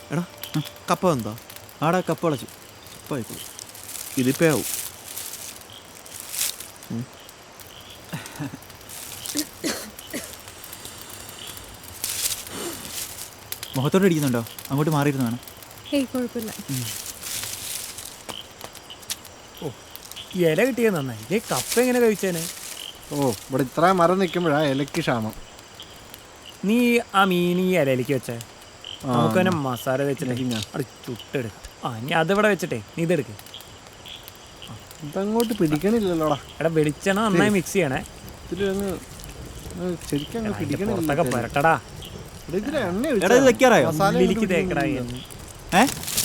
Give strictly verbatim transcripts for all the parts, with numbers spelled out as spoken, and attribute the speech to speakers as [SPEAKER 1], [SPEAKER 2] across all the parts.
[SPEAKER 1] എടാ കപ്പ എന്താ
[SPEAKER 2] ആടാ കപ്പ വളച്ചു ഇപ്പായിക്കോളൂ.
[SPEAKER 1] ഇതിപ്പോ ആവും.
[SPEAKER 2] മുഖത്തോട്ട് അടിക്കുന്നുണ്ടോ? അങ്ങോട്ട് മാറിയിരുന്നു വേണം.
[SPEAKER 3] ഏയ് കുഴപ്പമില്ല.
[SPEAKER 4] ഓ ഇല കിട്ടിയത് നന്നായി. ഇതേ കപ്പ എങ്ങനെ കഴിച്ചേനെ?
[SPEAKER 5] ഓ ഇവിടെ ഇത്ര മരം നിൽക്കുമ്പോഴാ ഇലക്ക് ക്ഷാമം.
[SPEAKER 4] നീ ആ മീൻ ഈ ഇലയിലേക്ക് വെച്ചേ. നമുക്ക് തന്നെ മസാല വെച്ചിട്ട് അത് ചുട്ടെടുക്കാം. ആ ഇനി അതിവിടെ വെച്ചിട്ടേ നീ ഇതെടുക്ക്.
[SPEAKER 5] ഇതങ്ങോട്ട് പിടിക്കണില്ലല്ലോടാ.
[SPEAKER 4] എടാ വെളിച്ചെണ്ണ നന്നായി മിക്സ് ചെയ്യണേ.
[SPEAKER 5] ഇതിലൊന്ന് ശരിക്കും അങ്ങ് പിടിക്കണില്ല.
[SPEAKER 4] പുറത്തൊക്കെ പുരട്ടടാ.
[SPEAKER 5] ഇതിൽ എണ്ണ
[SPEAKER 2] എടാ ഇത് വെക്കാറായോ?
[SPEAKER 5] മസാല
[SPEAKER 4] ഉള്ളിലേക്ക് തേക്കടാ.
[SPEAKER 2] ഏ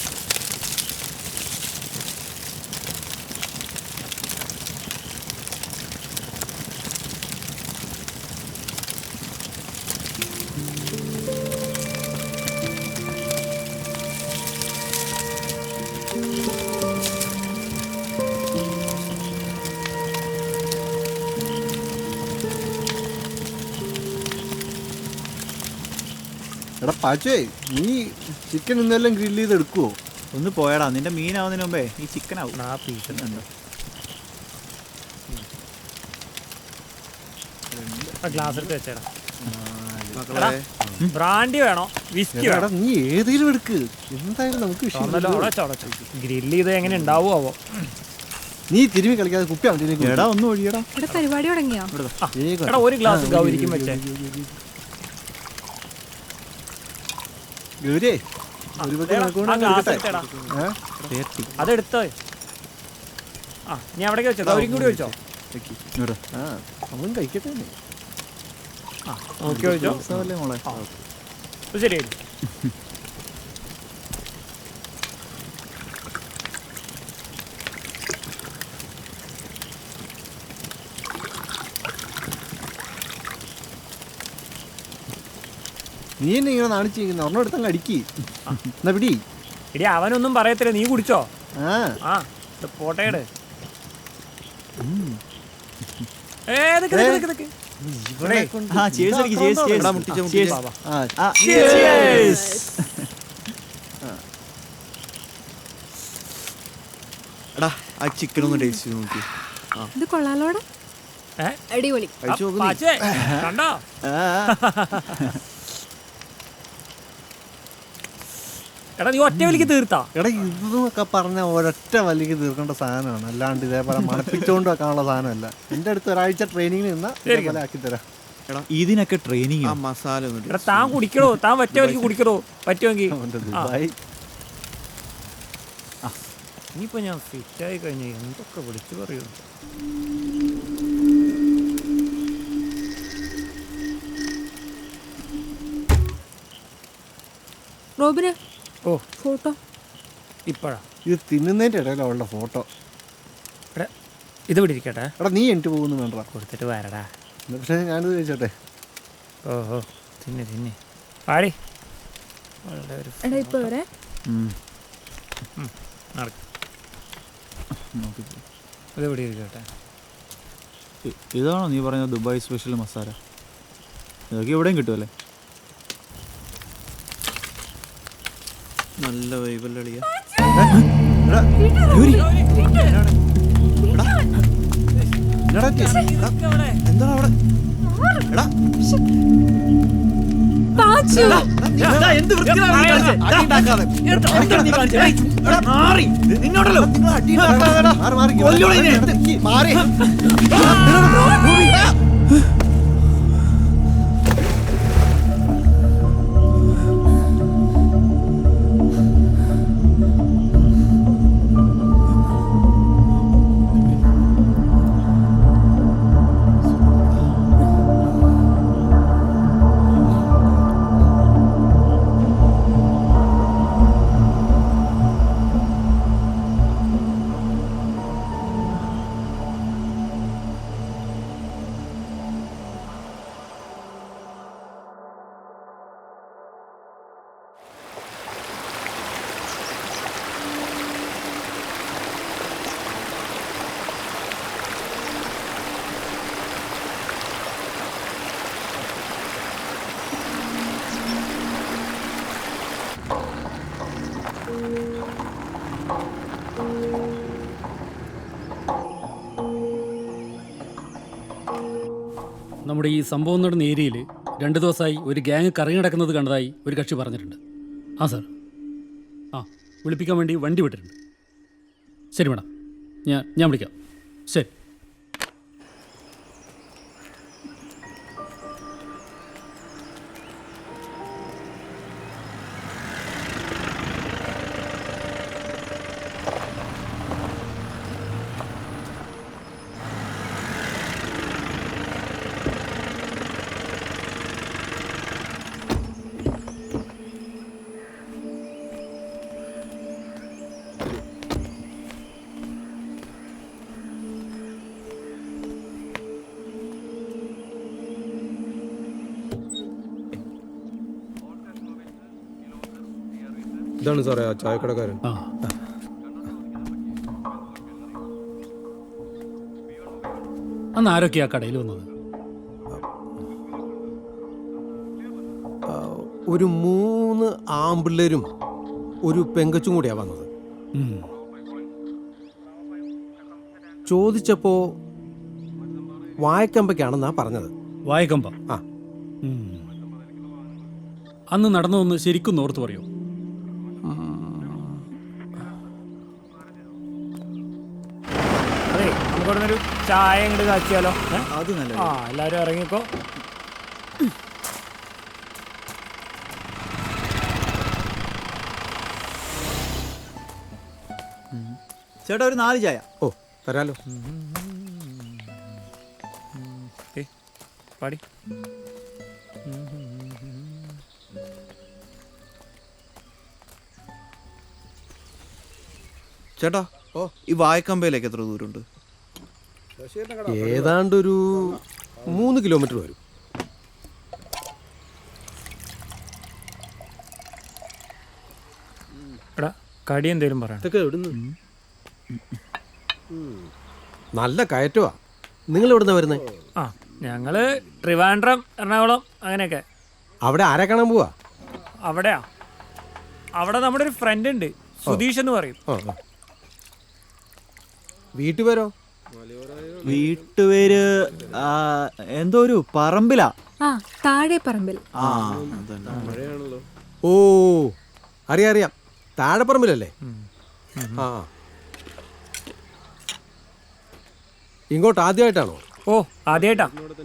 [SPEAKER 5] എടാ പാച്ചേ, നീ ചിക്കൻ ഇന്നെല്ലാം ഗ്രില്ല് ചെയ്ത് എടുക്കുവോ?
[SPEAKER 2] ഒന്ന് പോയടാ, നിന്റെ മീനാവുന്നതിന് മുമ്പേ ഈ ചിക്കൻ ആവും.
[SPEAKER 4] ആ പീസ്
[SPEAKER 2] ഉണ്ടോ?
[SPEAKER 4] ഗ്ലാസ് എടുത്ത് വെച്ചേടാ.
[SPEAKER 1] മക്കളെ
[SPEAKER 4] ബ്രാൻഡി വേണോ വിസ്കി
[SPEAKER 5] എടാ
[SPEAKER 4] വേണോ?
[SPEAKER 5] നീ ഏതെങ്കിലും എടുക്ക്, എന്തായാലും നമുക്ക്
[SPEAKER 4] ഗ്രില്ല് ചെയ്ത് എങ്ങനെ ഉണ്ടാവുമോ?
[SPEAKER 5] നീ തിരുമ്പി കളിക്കാതെ കുപ്പി അവൻ്റെ
[SPEAKER 2] എടാ ഒന്ന് ഒഴിയടാ.
[SPEAKER 3] ഇവിടെ പരിപാടി തുടങ്ങിയോ?
[SPEAKER 4] എടാ ഒരു ഗ്ലാസ് ഗൗരിക്കും വെച്ചേ.
[SPEAKER 5] ഗൗരിയെ ഒരു പக்கம்
[SPEAKER 4] ആ
[SPEAKER 5] നിനക്കൂടെ
[SPEAKER 4] ഗ്ലാസ്
[SPEAKER 5] എടുക്കട്ടെ?
[SPEAKER 4] എടുത്തേടാ.
[SPEAKER 5] ഏ?
[SPEAKER 4] അതെടുത്തോ. ആ നീ അവിടേക്ക് വെച്ചോ. ഗൗരിക്കും കൂടി വെച്ചോ.
[SPEAKER 2] ഇങ്ങോട്ട്.
[SPEAKER 5] ആ അവൻ കഴിക്കട്ടെ.
[SPEAKER 4] ആ നോക്കി വെച്ചോ.
[SPEAKER 2] രസമല്ലേ മോളെ?
[SPEAKER 4] ശരി.
[SPEAKER 5] നീ എന്നെ ഇങ്ങനെ നാണിച്ചിരിക്കുന്ന ഒരെണ്ണം എടുത്തങ്ങ് അടിക്കി. എന്നാ പിടി.
[SPEAKER 4] ഇടി അവനൊന്നും പറയത്തില്ല, നീ കുടിച്ചോ.
[SPEAKER 5] ആ
[SPEAKER 4] ആ പോട്ടേട്.
[SPEAKER 5] ഇവനെ കൊണ്ട്
[SPEAKER 2] ആ cheers അടിക്ക്, cheers, cheers.
[SPEAKER 1] എടാ മുട്ടിച്ച
[SPEAKER 2] Cheers.
[SPEAKER 1] മുട്ടിച്ച
[SPEAKER 5] ആ
[SPEAKER 2] ആ, cheers.
[SPEAKER 1] എടാ ആ ചിക്കൻ ഒന്ന് ടേസ്റ്റ് ചെയ്ത് നോക്കി.
[SPEAKER 3] ഇത് കൊള്ളാലോടെ. അടിപൊളി.
[SPEAKER 1] കഴിച്ചു നോക്ക് നീ.
[SPEAKER 4] കണ്ടോ?
[SPEAKER 2] ആ,
[SPEAKER 4] എടാ നീ ഒറ്റ വലിക്ക് തീർത്താ.
[SPEAKER 5] എടാ ഇതൊക്കെ പറഞ്ഞ ഒരൊറ്റ വലിക്ക് തീർക്കേണ്ട സാധനമാണ്, അല്ലാണ്ട് ഇതേപോലെ മണപ്പിച്ചുകൊണ്ട് വെക്കാനുള്ള സാധനമല്ല. എൻ്റെ അടുത്ത് ഒരാഴ്ച ട്രെയിനിങ്ങിന് നിന്നാൽ ഇതേപോലെ ആക്കി തരാം.
[SPEAKER 1] എടാ
[SPEAKER 2] ഇതിനൊക്കെ ട്രെയിനിങ്.
[SPEAKER 1] ആ മസാല ഒന്ന്
[SPEAKER 4] എടാ താൻ കുടിക്കണോ? താൻ ഒറ്റ വലിക്ക് കുടിക്കണോ? പറ്റുമെങ്കിൽ
[SPEAKER 5] അവൻ്റെ ദുബായ്
[SPEAKER 4] ഇനിയിപ്പോ ഞാൻ ഫിറ്റായി കഴിഞ്ഞ എന്തൊക്കെ വിളിച്ചു പറയൂ.
[SPEAKER 3] റോബിന്
[SPEAKER 4] ഓ
[SPEAKER 3] ഫോട്ടോ.
[SPEAKER 4] ഇപ്പഴാ
[SPEAKER 5] ഇത് തിന്നുന്നതിൻ്റെ ഇടയിലാണ് അവളുടെ ഫോട്ടോ.
[SPEAKER 4] എടാ ഇത് പിടിക്കട്ടെ.
[SPEAKER 5] എടാ നീ എനിക്ക് പോകുന്നു വേണ്ട,
[SPEAKER 4] കൊടുത്തിട്ട് വരടാ.
[SPEAKER 5] പക്ഷേ ഞാനിത് കഴിച്ചോട്ടെ.
[SPEAKER 4] ഓഹോ തിന്നെ തിന്നെ പാടി. വളരെ ഒരു
[SPEAKER 3] എടാ ഇപ്പൊ വരെ.
[SPEAKER 4] നടക്കും. ഇത് ഇവിടെ ഇരിക്കട്ടെ.
[SPEAKER 2] ഇതാണോ നീ പറഞ്ഞ ദുബായ് സ്പെഷ്യൽ മസാല? ഇതൊക്കെ എവിടെയും കിട്ടുമല്ലേ?
[SPEAKER 1] നല്ല വൈബല്ലളിയ. എന്താണ് അവിടെ? എടാ
[SPEAKER 3] പാച്ചു.
[SPEAKER 2] നിന്നോടല്ലോ
[SPEAKER 5] മാറി
[SPEAKER 6] നമ്മുടെ ഈ സംഭവം നടന്ന ഏരിയയിൽ രണ്ട് ദിവസമായി ഒരു ഗ്യാങ് കറങ്ങി നടക്കുന്നത് കണ്ടതായി ഒരു കക്ഷി പറഞ്ഞിട്ടുണ്ട്. ആ സാർ, ആ വിളിപ്പിക്കാൻ വേണ്ടി വണ്ടി വിട്ടിട്ടുണ്ട്. ശരി മേഡം, ഞാൻ ഞാൻ വിളിക്കാം. ശരി.
[SPEAKER 7] ഇതാണ് സാറേ ആ ചായക്കടക്കാരൻ.
[SPEAKER 6] ആ അന്ന് ആരൊക്കെയാ കടയിൽ വന്നത്?
[SPEAKER 7] ഒരു മൂന്ന് ആമ്പിള്ളേരും ഒരു പെങ്കച്ചും കൂടിയാ വന്നത്.
[SPEAKER 6] ഉം.
[SPEAKER 7] ചോദിച്ചപ്പോ വായക്കമ്പയ്ക്കാണെന്നാ പറഞ്ഞത്.
[SPEAKER 6] വായക്കമ്പ.
[SPEAKER 7] ആ.
[SPEAKER 6] ഉം. അന്ന് നടന്നതൊന്ന് ശരിക്കും ഓർത്ത് പറയോ?
[SPEAKER 4] അതെ, നമുക്കിവിടെ ഒരു ചായ ഇങ്ങോട്ട് കാച്ചിയാലോ? ഏ?
[SPEAKER 2] അത് നല്ല
[SPEAKER 4] ആ എല്ലാവരും ഇറങ്ങിക്കോ.
[SPEAKER 2] ചേട്ടാ ഒരു നാല് ചായ.
[SPEAKER 7] ഓ തരാലോ.
[SPEAKER 4] ഏയ്, പാടി.
[SPEAKER 1] ചേട്ടാ, ഓ ഈ വായക്കമ്പയിലേക്ക് എത്ര ദൂരമുണ്ട്?
[SPEAKER 7] ഏതാണ്ടൊരു മൂന്ന് കിലോമീറ്റർ വരും.
[SPEAKER 4] എടാ, കടി എന്തേലും പറയാം.
[SPEAKER 7] ഇതൊക്കെ എവിടുന്ന്? നല്ല കയറ്റമാ. നിങ്ങൾ എവിടുന്നാ വരുന്നത്?
[SPEAKER 4] ആ, ഞങ്ങള് ട്രിവാൻഡ്രം, എറണാകുളം അങ്ങനെയൊക്കെ.
[SPEAKER 7] അവിടെ ആരെ കാണാൻ പോവാ?
[SPEAKER 4] അവിടെയാ, അവിടെ നമ്മുടെ ഒരു ഫ്രണ്ട് ഉണ്ട്, സുധീഷ് എന്ന് പറയും.
[SPEAKER 7] ആ ആ. വീട്ടുപേരോ?
[SPEAKER 2] വീട്ടുപേര് ആ, എന്തോ ഒരു പറമ്പിലാ.
[SPEAKER 3] ആ താഴെ പറമ്പിൽ.
[SPEAKER 2] ആ
[SPEAKER 7] ഓ അറിയാം അറിയാം, താഴെപ്പറമ്പിലല്ലേ? ആ ഇങ്ങോട്ട് ആദ്യമായിട്ടാണോ?
[SPEAKER 4] ഓ ആദ്യമായിട്ടാ.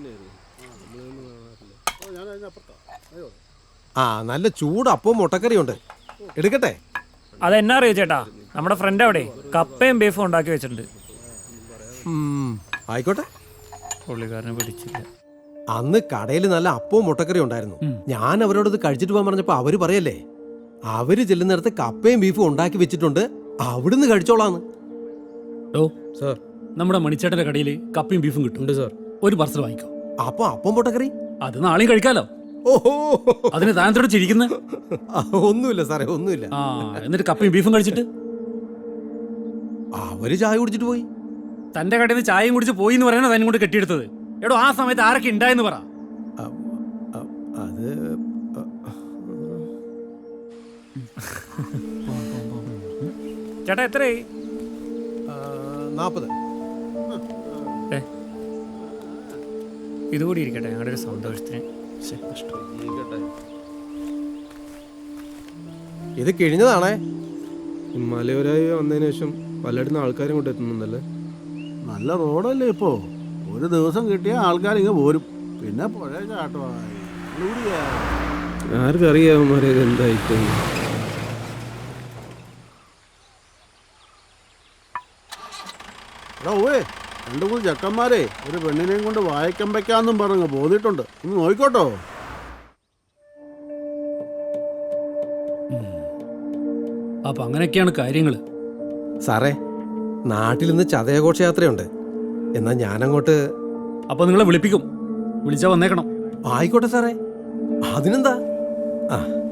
[SPEAKER 7] ആ നല്ല ചൂട് അപ്പവും മുട്ടക്കറിയുണ്ട്, എടുക്കട്ടെ?
[SPEAKER 4] അതെന്നാ അറിയോ ചേട്ടാ, നമ്മുടെ ഫ്രണ്ട് അവിടെ കപ്പയും ബീഫും ഉണ്ടാക്കി വെച്ചിട്ടുണ്ട്.
[SPEAKER 7] ഉം, ആയിക്കോട്ടെ.
[SPEAKER 4] പുള്ളിക്കാരനെ പിടിച്ചില്ല.
[SPEAKER 7] അന്ന് കടയിൽ നല്ല അപ്പവും മുട്ടക്കറിയും ഉണ്ടായിരുന്നു. ഞാൻ അവരോട് ഇത് കഴിച്ചിട്ട് പോകാൻ പറഞ്ഞപ്പോ അവര് പറയല്ലേ, അവര് ചെല്ലുന്നിടത്ത് കപ്പയും ബീഫും ഉണ്ടാക്കി വെച്ചിട്ടുണ്ട്, അവിടുന്ന് കഴിച്ചോളാന്ന്.
[SPEAKER 6] ഓ
[SPEAKER 7] സാർ,
[SPEAKER 6] നമ്മുടെ മണിച്ചേട്ടന്റെ കടയിൽ കപ്പയും ബീഫും കിട്ടും
[SPEAKER 7] സാർ.
[SPEAKER 6] ഒരു പാർസൽ വാങ്ങിക്കോ.
[SPEAKER 7] അപ്പൊ അപ്പം മുട്ടക്കറി
[SPEAKER 6] അത് നാളെയും കഴിക്കാലോ.
[SPEAKER 7] ഓഹോ,
[SPEAKER 6] അതിന് താനത്തോട് ചിരിക്കുന്നത്?
[SPEAKER 7] ആ, ഒന്നുമില്ല സാറേ, ഒന്നുമില്ല.
[SPEAKER 6] ആ എന്നിട്ട് കപ്പയും ബീഫും കഴിച്ചിട്ട്
[SPEAKER 7] അവര് ചായ കുടിച്ചിട്ട് പോയി.
[SPEAKER 6] തന്റെ കടയിൽ നിന്ന് ചായയും കുടിച്ച് പോയി എന്ന് പറയണത് അതിനും കൊണ്ട് കെട്ടിയെടുത്തത്. എടോ ആ സമയത്ത് ആരൊക്കെ ഉണ്ടായെന്ന് പറ.
[SPEAKER 7] അ- അ- അത്
[SPEAKER 4] ചേട്ടാ എത്രയായി?
[SPEAKER 7] നാപ്പത്.
[SPEAKER 4] ഏ ഇതുകൂടി ഇരിക്കട്ടെ, ഞങ്ങളുടെ ഒരു സന്തോഷത്തിന്.
[SPEAKER 7] ഇത് കിഴിഞ്ഞതാണേ.
[SPEAKER 8] മലയോരായി വന്നതിന് ശേഷം പലയിടത്തും ആൾക്കാരും കൊണ്ട് എത്തുന്നുണ്ടല്ലേ.
[SPEAKER 9] നല്ല റോഡല്ലേ ഇപ്പോ, ഒരു ദിവസം കിട്ടിയ ആൾക്കാർ ഇങ്ങ് പോരും, പിന്നെ പുഴ ചാട്ടമായി.
[SPEAKER 8] ആർക്കറിയാവന്മാരെ എന്തായിട്ട്.
[SPEAKER 9] എടാ ഓവേ, രണ്ടു മൂന്ന് ചെക്കന്മാരെ ഒരു പെണ്ണിനെയും കൊണ്ട് വായിക്കമ്പയ്ക്കാന്നും പറഞ്ഞ് പോന്നിട്ടുണ്ട്, ഒന്ന് നോയിക്കോട്ടോ.
[SPEAKER 6] അപ്പൊ അങ്ങനെയൊക്കെയാണ് കാര്യങ്ങൾ.
[SPEAKER 7] സാറേ, നാട്ടിൽ ഇന്ന് ചതയഘോഷയാത്രയുണ്ട്. എന്നാ ഞാനങ്ങോട്ട്.
[SPEAKER 6] അപ്പൊ നിങ്ങളെ വിളിപ്പിക്കും, വിളിച്ചാ വന്നേക്കണം.
[SPEAKER 7] ആയിക്കോട്ടെ സാറേ, അതിനെന്താ. ആ